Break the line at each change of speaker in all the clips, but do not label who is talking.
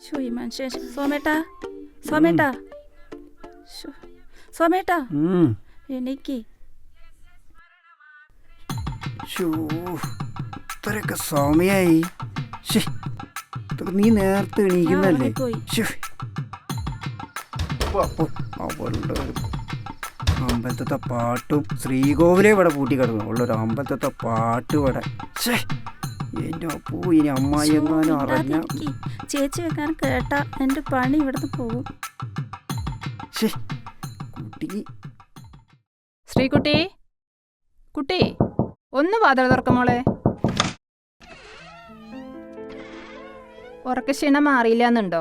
ഈ മനുഷ്യൻ സോമേട്ടാ സോമേട്ടാ സോമേട്ടാ എനിക്ക്
ഇത്രയൊക്കെ സമയായി. നീ നേരത്തെ എണീക്കുന്നല്ലേ? അവളുടെ അമ്പലത്തെ പാട്ടും ശ്രീകോവിലെ ഇവിടെ പൂട്ടി കിടന്നു. ഉള്ളൊരു അമ്പലത്തെ പാട്ട് ഇവിടെ. എൻ്റെ അപ്പൂ ഇനി അമ്മായി എങ്ങാനും അറിഞ്ഞ
ചേച്ചി വെക്കാൻ കേട്ടാ എൻ്റെ പണി ഇവിടുന്ന് പോകും.
കുട്ടിക്ക്
ശ്രീകുട്ടി കുട്ടി ഒന്ന് വാതിൽ തുറക്കമോളെ. ഉറക്കക്ഷീണം മാറിയില്ലെന്നുണ്ടോ?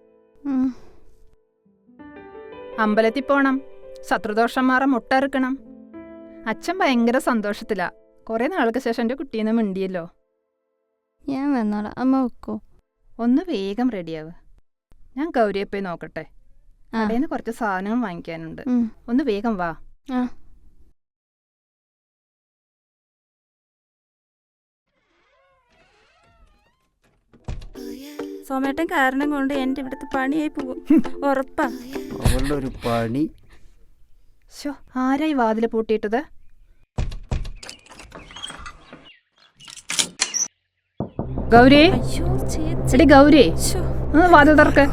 അമ്പലത്തിൽ പോണം, ശത്രുദോഷം മാറാൻ മുട്ടറുക്കണം. അച്ഛൻ ഭയങ്കര സന്തോഷത്തിലാ. കുറെ നാൾക്ക് ശേഷം എൻ്റെ കുട്ടീന്ന് മിണ്ടിയല്ലോ.
ഞാൻ വന്നോളാം, അമ്മ വെക്കോ?
ഒന്ന് വേഗം റെഡിയാവ്. ഞാൻ ഗൗരിയെ പോയി നോക്കട്ടെ. കടയിൽ കുറച്ച് സാധനങ്ങൾ വാങ്ങിക്കാനുണ്ട്. ഒന്ന് വേഗം വാ.
സോമേട്ടൻ കാരണം കൊണ്ട് എൻ്റെ ഇവിടുത്തെ പണിയായി പോകും, ഉറപ്പാ.
അവളുടെ ഒരു പണി.
ആരായി വാതില് പൂട്ടിയിട്ടത്? ഗൗരി, എടി ഗൗരി, ഒന്ന് വാതിൽ തുറക്ക്.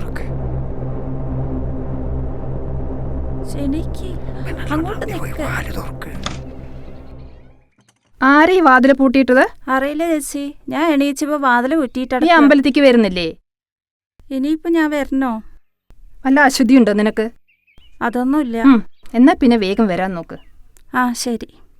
ആരാ ഈ വാതില് പൂട്ടിയിട്ടത്?
അറിയില്ല ചേച്ചി, ഞാൻ എണീച്ചപ്പോ വാതില് കുറ്റിയിട്ടാ.
ഈ അമ്പലത്തിക്ക് വരുന്നില്ലേ?
ഇനിയിപ്പോ ഞാൻ വരണോ?
വല്ല അശുദ്ധിയുണ്ടോ നിനക്ക്?
അതൊന്നുമില്ല.
എന്നാ പിന്നെ വേഗം വരാൻ നോക്ക്.
ആ ശരി.